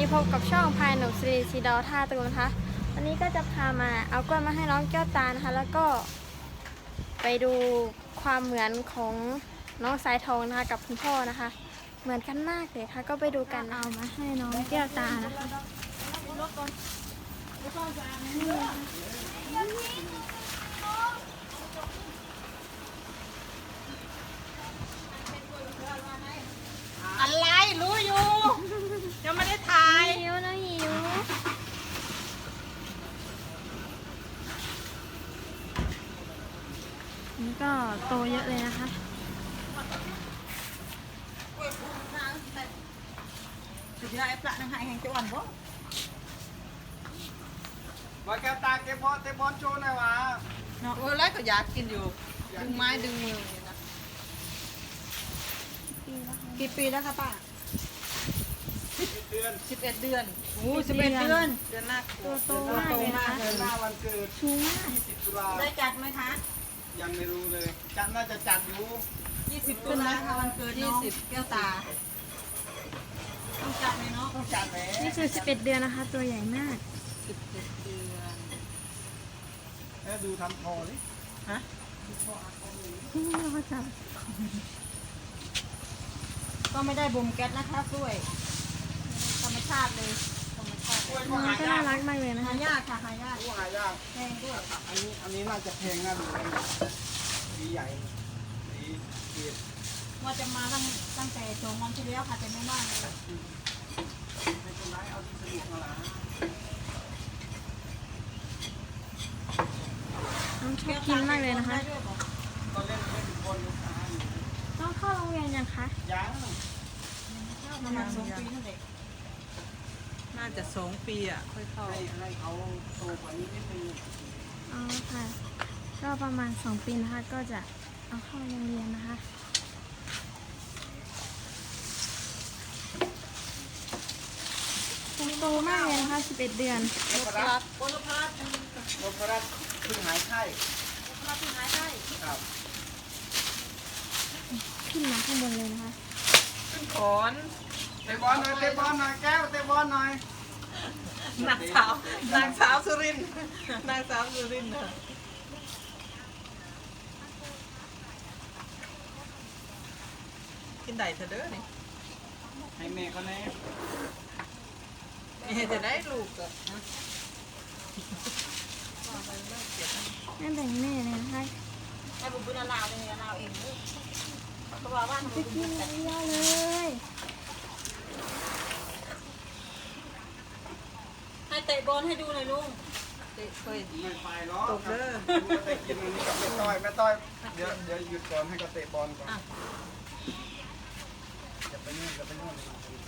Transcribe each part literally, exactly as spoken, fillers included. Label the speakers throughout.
Speaker 1: พบกับช่องพายหนุ่มสิริสีดาวท่าตูนนะคะวันนี้ก็จะพามาเอากล้วยมาให้น้องแก้วตานะคะแล้วก็ไปดูความเหมือนของน้องสายทองนะคะกับคุณพ่อนะคะเหมือนกันมากเลยค่ะก็ไปดูกันเอามาให้น้องแก้วตานะคะ
Speaker 2: อะไรรู้อยู่ยังไม่ได้ถ่าย
Speaker 1: หิวนะหิวนี่ก็โตเยอะเลยนะคะ
Speaker 2: สุดยอดไอ้ปลาหนังหายแห่งจังหวัดบ่
Speaker 3: มาแก้วตาเก็บบอลเตะบอลโชว์หน่อยวะ
Speaker 2: เนาะเออแล้วก็อยากกินอยู่ดึงไม้ดึงมือนี่นะกี่ปีแล้วคะป้า
Speaker 3: เดือน
Speaker 2: สิบเอ็ดเดือนโอ้สิบเอ็ดเดือนเดือนหน้า
Speaker 1: ตัวโตมากเลยนะคะ
Speaker 3: เดือนหน้าวันเกิด
Speaker 1: ชูมาก
Speaker 3: ยี่สิบตุลา
Speaker 2: ได้จัดไหมคะ
Speaker 3: ยังไม่รู้เลยจัดน่าจะจัดอยู่
Speaker 2: ยี่สิบตุลาค่ะวันเกิดน้องแก้วตาต้องจัดไหมเนาะ
Speaker 3: ต้องจัดแหม
Speaker 1: นี่คือสิบเอ็ดเดือนนะคะ ตัวใหญ่มาก
Speaker 2: สิบเอ็ดเดือน
Speaker 3: แล้วดูทำคอดิ
Speaker 2: ฮะ
Speaker 1: นี่เราก็จะ
Speaker 2: ก็ไม่ได้บ่มแก๊สนะคะกล้วยธรรมชาติเลยธรรมชาติ
Speaker 3: กล้วย
Speaker 1: น้
Speaker 3: ก็
Speaker 1: อง
Speaker 3: หา
Speaker 1: ก็
Speaker 3: ยา
Speaker 1: น่าก รักมากเลยนะ
Speaker 2: หา
Speaker 1: คะ
Speaker 2: ยากค่ะหายาก
Speaker 3: กล้วยหายาก
Speaker 2: แพงด้วย
Speaker 3: อันนี้อันนี้น่าจะแพงน่าดูสีใหญ่สีเกล็ด
Speaker 2: ว่าจะมาตั้งตั้งแต่สองวันที่แล้วค่ะแต่ไม่ว่างเลย
Speaker 3: ไม่เป็นไรเอาที่สนุกมาละ
Speaker 1: น้องชอบกินมากเลยนะคะ
Speaker 3: ตอนเล่นเล่นบอลลูกค้าอยู่
Speaker 1: น้องเข้าโรงเรียนยังคะ
Speaker 3: ยัง
Speaker 2: ประมาณสองปีนั่นเองน่าจะสองปีอ่ะค่อยเข้า
Speaker 3: ให้ให้เขาโตกว่านี้นิดนึง
Speaker 1: อ๋อค่ะ ก็ประมาณสองปีนะคะ ก็จะเอาเข้าโรงเรียนนะคะตัวโตมากเลยนะคะสิบเอ็ดเดือน
Speaker 3: นพรัตน์
Speaker 2: โอลพัส
Speaker 3: นพรัตน์เพิ่งหายไข้
Speaker 2: โอลพัสที่หายได้
Speaker 3: ครับ
Speaker 1: ขึ้นมาข้างบนเลยนะคะ
Speaker 2: ขึ้นขอน
Speaker 3: เตะบอลหน่อยเตะบอลหน่อยแก้วเตะบอลหน่อย
Speaker 2: นางสาวนางสาวสุรินทร์นางสาวสุรินทร์น่ะกินได้เถอะเด้อนี่
Speaker 3: ให้แม่เขาแน่
Speaker 2: เอ๊ะจะได้ลูกอ่ะนะ
Speaker 1: ไม่แบ่งแม่เลยนะคะ
Speaker 2: ไอ้บุญบุญลาวเป็นลาวเองเพราะว่าบ้าน
Speaker 1: จะกินเยอะเลย
Speaker 2: ให้เตะบอลให้ดูหน่อยลุงเตะเคย
Speaker 3: ไม่ไปหรอก
Speaker 2: ตกเด้อ
Speaker 3: ไปกินอันนี้กับแม่ต้อยแม่ต้อยเดี๋ยวเดี๋ยวหยุดก่อนให้เขาเตะบอลก่อนจะไปนู่นจะไปนู่น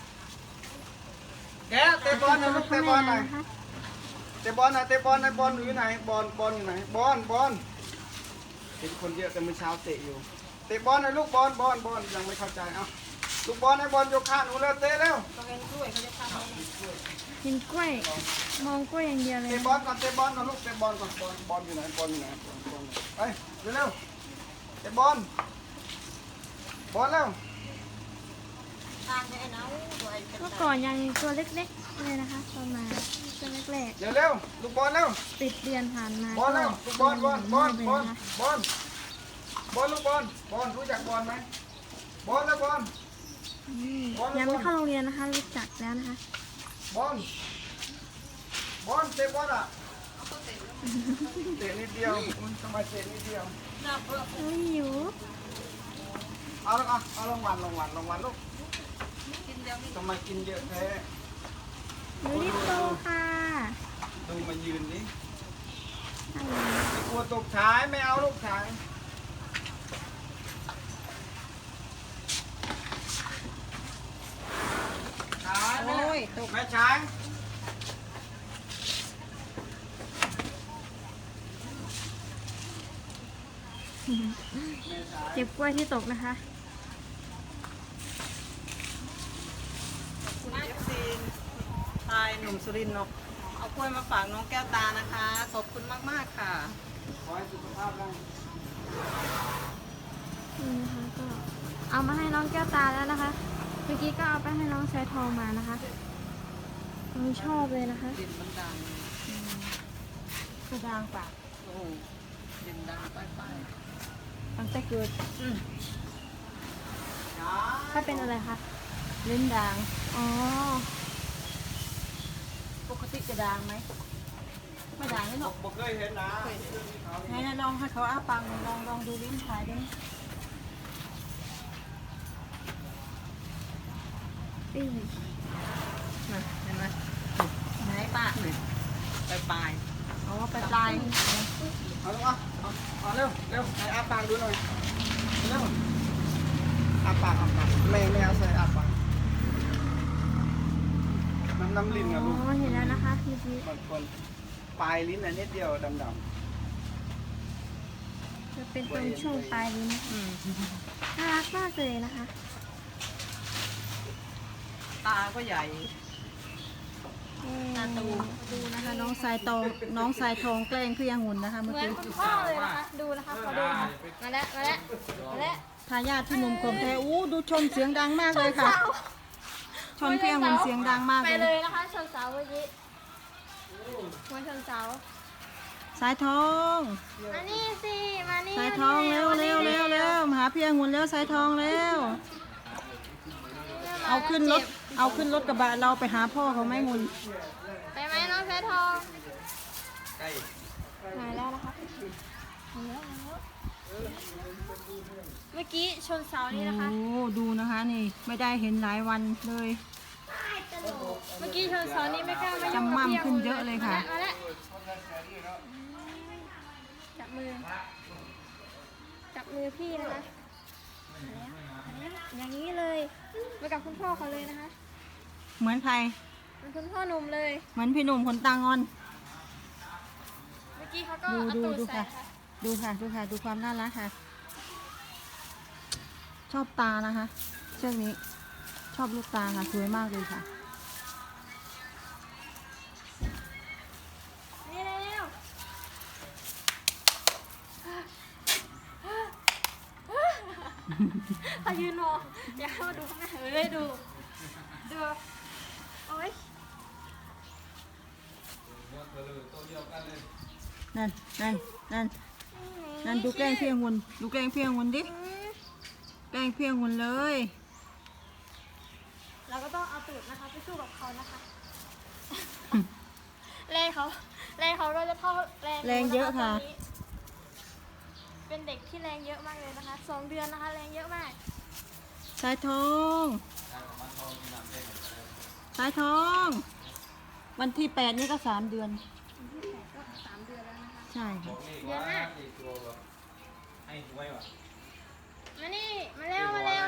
Speaker 3: แกเตะบอลหน่อยลูกเตะบอลหน่อย
Speaker 1: นะคะ
Speaker 3: เตะบอลหน่อยเตะบอลหน่อยบอลอยู่ไหนบอลบอลอยู่ไหนบอลบอลเห็นคนเยอะแต่เมื่อเช้าเตะอยู่เตะบอลหน่อยลูกบอลบอลบอลยังไม่เข้าใจเอ้าลูกบอลให้บอลโยกข้างหนูเร็วเตะเร็ว
Speaker 2: ต้องเล่นด้วยเขาจะทำอะไร
Speaker 1: กินกล้วย มองกล้วยอย่างเดียวเลย
Speaker 3: เตะบอลก่อนเตะบอลก่อนลูกเตะบอลก่อนบอลบอลอยู่ไหนบอลอยู่ไหนบอลบอลไปเร็วๆเตะบอลบอลเร็ว
Speaker 2: ทางไอ้น้าตัวไอ้
Speaker 1: เมื่อก่อนยังตัวเล็กๆเลยนะคะตอนมาตัวแรก
Speaker 3: เดี๋ยวเร็วลูกบอลเร็ว
Speaker 1: ๆติดเดือนผ่านมา
Speaker 3: บอลเร็วลูกบอลบอลบอลบอล
Speaker 1: นะคะ
Speaker 3: บอลบอลลูกบอลบอลรู้จักบอลไหมบอลแล้วบอล
Speaker 1: อืมยังไม่เข้าโรงเรียนนะคะรู้จักแล้วนะคะ
Speaker 3: บอลบอลเตะบอลอ่ะเตะนิดเดียวทำไมเตะนิดเดียว
Speaker 2: หน้าเพื่อ
Speaker 1: โอ้ยหิว
Speaker 3: เอาละเอาเอารางวัลรางวัลรางวัลลูก
Speaker 2: กินเดียวนี่
Speaker 3: ทำไมกินเยอะแท้
Speaker 1: หนูรีบโตค่ะ
Speaker 3: ดูมายืนนี่
Speaker 1: อะไร
Speaker 3: กลัวตกฉายไม่เอาลูกฉายฉายแม่
Speaker 2: โอ้ยตก
Speaker 3: แม่ฉาย
Speaker 1: เก็บกล้วยที่ตกนะคะ
Speaker 2: คุณเอฟซีทายหนุ่มสุรินทร์เนาะเอากล้วยมาฝากน้องแก้วตานะคะขอบคุณมากๆค่ะ
Speaker 3: ขอให้สุขภาพร่าง
Speaker 1: นี่นะคะก็เอามาให้น้องแก้วตาแล้วนะคะ เมื่อกี้ก็เอาไปให้น้องชายทองมานะคะไม่ชอบเลยนะคะ
Speaker 2: ดินมันดัง
Speaker 4: กระดางปาก
Speaker 2: โอ้ดินดังไปไป
Speaker 4: ตั้งแต่เกิด
Speaker 2: อืม
Speaker 1: ถ้าเป็นอะไรคะ
Speaker 4: เล่นดาง
Speaker 1: อ๋อ
Speaker 4: ปกติจะดางไหมไม่ดางเลยหรอก
Speaker 3: บอกเคยเห็นนะ
Speaker 4: ไหนนะลองให้เขาอ้าปากหน่อยลองลองดูลิ้นถ่ายดิ
Speaker 1: ปิ้ง
Speaker 2: นะเห็นไหม
Speaker 4: ไหนปาก
Speaker 2: นี่ไปปลาย
Speaker 4: เอาว่าไปปลาย
Speaker 3: เอาลูกอ่ะเอาเอาเร็วเร็วไหนอาปากดูหน่อยเร็วอาปากอาปากแม่แม่เอาใส่อาปากน้ำน้ำลิ้น
Speaker 1: อ๋
Speaker 3: นะลูก
Speaker 1: อเห็นแล้วนะคะเมื่อกี้
Speaker 3: บางคนปลายลิ้นอันนิดเดียวดำ
Speaker 1: จะเป็นตรงช่วงปลายลิ้นนะคะ
Speaker 2: อืม
Speaker 1: น่ารักมากเลยนะคะ
Speaker 2: ตาก็ใหญ่
Speaker 4: ตาตูดูนะคะน้องสายตองน้องสายทองแกล้งเพี่ยงหุ่นนะคะ
Speaker 1: เห
Speaker 4: เมื่อ
Speaker 1: มือน
Speaker 4: กี้
Speaker 1: คุณพ่อเลยนะคะ ดูนะคะขอดูนะคะมาแล้วมาแล้วมาแล้ว
Speaker 4: ทายาทที่หนุ่มกลมแท้อู้ดูชนเสียงดังมากเลยค่ะ ชนเพี่ยงหุ่นเสียงดังมาก
Speaker 1: ไป
Speaker 4: เล
Speaker 1: เลย ยนะคะชนเสาเมื่อกี้หัวชนเสา
Speaker 4: สายทอง
Speaker 1: มานี่สิมานี่
Speaker 4: สายทองเร็วเร็วเร็วเร็วมาหาเพี่ยงหุ่นเร็วสายทองเร็วเอาขึ้นรถเอาขึ้นรถกระบะเราไปหาพ่อเขาไหม่งุน
Speaker 1: ไปไหมน้องแพทองมาแล้วนะคะมาแล้วมาแล้วเมื่อกี้ชนเสานี่นะคะ
Speaker 4: โอ้ดูนะคะนี่ไม่ได้เห็นหลายวันเลย
Speaker 1: เมื่อกี้ชนเสานี่ไม่กล้ามายุ่ง
Speaker 4: จำ
Speaker 1: กับ
Speaker 4: ม่ำ
Speaker 1: พี่
Speaker 4: ขึ้นเยอะเลยค่ะ
Speaker 1: มาแล้วจับมือจับมือพี่นะคะมาแล้วมาแล้วอย่างนี้เลยไปกับคุณพ่อเขาเลยนะคะ
Speaker 4: เหมือนใคร
Speaker 1: เป็นคุณพ่อหนุ่มเลย
Speaker 4: เหมือนพี่หนุ่มขนตางอน
Speaker 1: เมื่อกี้เขาก็
Speaker 4: ดู
Speaker 1: เอา
Speaker 4: ดู
Speaker 1: ตูด
Speaker 4: ดู
Speaker 1: ใส่
Speaker 4: ค่ะ
Speaker 1: ค่ะ
Speaker 4: ดูค่ะดูค่ะดูความน่ารักค่ะ ชอบตานะคะ เชือกนี้ ชอบลูกตาค่ะสวยมากเลยค่ะ
Speaker 1: นี่เร็วเขายืนมองอย่าเข้ามาดูข้างหน้าเอ้ยดู ดู โอ๊ย
Speaker 4: นั่นนั่นนั่นนั่นดูแกล้งเพียงหุ่นดูแกล้งเพียงหุ่นดิ
Speaker 1: อืม
Speaker 4: แกล้งเพียงหุ่นเลย
Speaker 1: เราก็ต้องเอาตูดนะคะไปสู้กับเขานะคะ แรงเขาแรงเขาก็จะเท่าแรงหนู
Speaker 4: แรงเยอะค่ะ
Speaker 1: นตนนี้เป็นเด็กที่แรงเยอะมากเลยนะคะสองเดือนนะคะ แรงเยอะมาก
Speaker 4: สายทองสายทอง วันที่แปดนี่ก็สามเดือน
Speaker 1: ที่แปดก็สามเดือนแล้วนะคะ
Speaker 4: ใช่ค่ะ
Speaker 1: เดือนหน้ามานี่ มาเร็ว มาเร็ว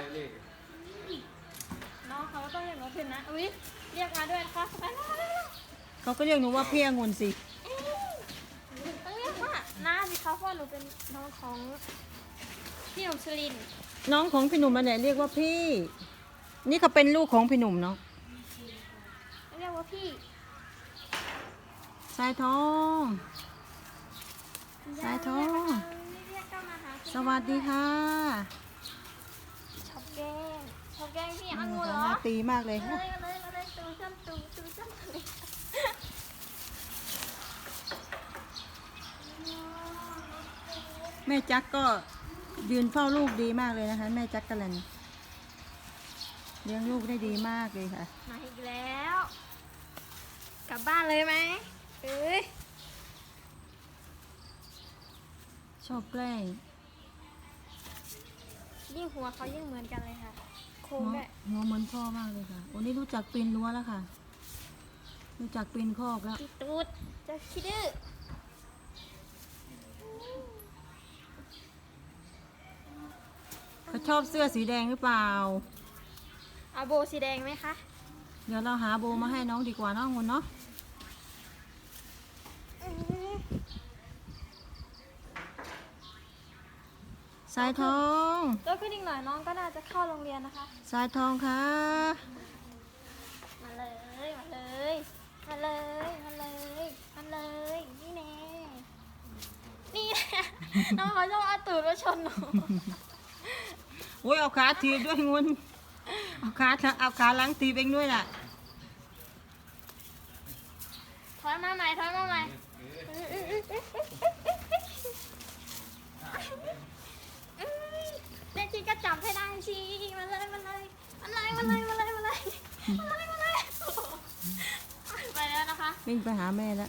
Speaker 1: น้องเขาก็ต้องเรียกหนูขึ้นนะ อุ้ยเรียกมาด้วยนะคะไปแล้วเร็ว
Speaker 4: เขาก็เรียกหนูว่าเพียงหุ่นสิ
Speaker 1: ต้องเรียกว่าน้าสิคะเพราะหนูเป็นน้องของพี่หนุ่มชลินทร์
Speaker 4: น้องของพี่หนุ่มมาเนี่ยเรียกว่าพี่ นี่เขาเป็นลูกของพี่หนุ่มเนาะ
Speaker 1: เรียกว่าพี่
Speaker 4: สายทอง สายทอง
Speaker 1: เรียกเข้ามาหา
Speaker 4: สวัสดีค่ะ
Speaker 1: ชอบแกล้งชอบแกล้งพี่
Speaker 4: ห
Speaker 1: อังงูเหรอ
Speaker 4: น้าตีมากเลย
Speaker 1: เล
Speaker 4: ค่ะ
Speaker 1: ยเลยเลยตูจ้ำตูตูจ้ำเลย
Speaker 4: แม่จักก็ยืนเฝ้าลูกดีมากเลยนะคะ แม่จักกะลันเลี้ยงลูกได้ดีมากเลยค่ะ
Speaker 1: มาอีกแล้ว กลับบ้านเลยไหมเอ้ย
Speaker 4: ชอบแกล้ง
Speaker 1: ยิ่งหัวเขายิ่งเหมือนกันเลยค่ะโค้ง
Speaker 4: เนาะ
Speaker 1: ด้วย
Speaker 4: หัวเหมือนพ่อมากเลยค่ะวันนี้รู้จักปีนรั้วแล้วค่ะ รู้จักปีนคอกแล้ว
Speaker 1: อีตูดจะคิดดื้อ
Speaker 4: เขาชอบเสื้อสีแดงหรือเปล่า
Speaker 1: เอาโบสีแดงไหมคะ
Speaker 4: เดี๋ยวเราหาโบมาให้น้องดีกว่าเน้องคุณเนาะ
Speaker 1: อื้อ
Speaker 4: สายทอง
Speaker 1: ตัวขึ้นอีกหน่อยน้องก็น่าจะเข้าโรงเรียนนะคะ
Speaker 4: สายทองค่ะ
Speaker 1: มาเลย มาเลย มาเลย มาเลย มาเลย นี่แน่ นี่แน่ น้องเขาชอบเอาตูดมาชนหนู
Speaker 4: โอ้ยเอาขาถีบด้วยงุนเอาขาเอาขาหลังถีบเองด้วยน่ะ
Speaker 1: มาใหม่ถอยมาใหม่เด็กจีก็จับให้ได้สิมาเลยมาเลยมาเลยมาเลยมาเลยมาเลยมาเลยมาเลยไปแล้วนะคะ
Speaker 4: วิ่งไปหาแม่แล้ว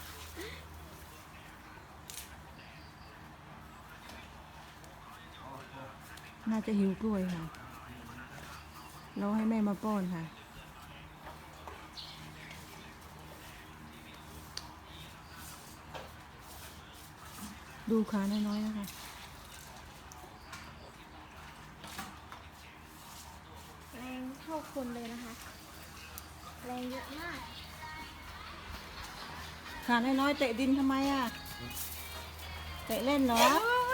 Speaker 4: น่าจะหิวกล้วยค่ะ เราให้แม่มาป้อนค่ะ ดูขาน้อยๆนะคะ
Speaker 1: แรงเท่าคนเลยนะคะ แรงเยอะมาก
Speaker 4: ขาน้อยๆเตะดินทำไมอ่ะ เตะเล่นเหรอ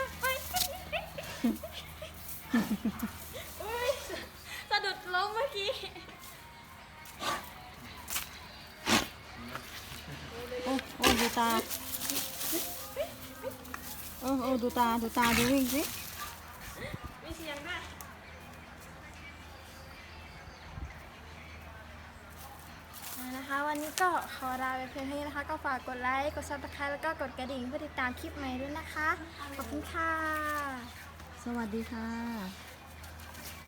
Speaker 1: อุ๊ยสะดุดล้มเมื่อกี้
Speaker 4: โอ้โอ้ดูตา โอ้โอ้ดูตา ดูตา ดูวิ่งสิ
Speaker 1: มีเสียงด้วยอ่านะคะ วันนี้ก็ขอลาไปเพียงเท่านี้นะคะ ก็ฝากกดไลค์ กดซับสไครต์แล้วก็กดกระดิ่งเพื่อติดตามคลิปใหม่ด้วยนะคะ ขอบคุณค่ะ
Speaker 4: สวัสดีค่ะ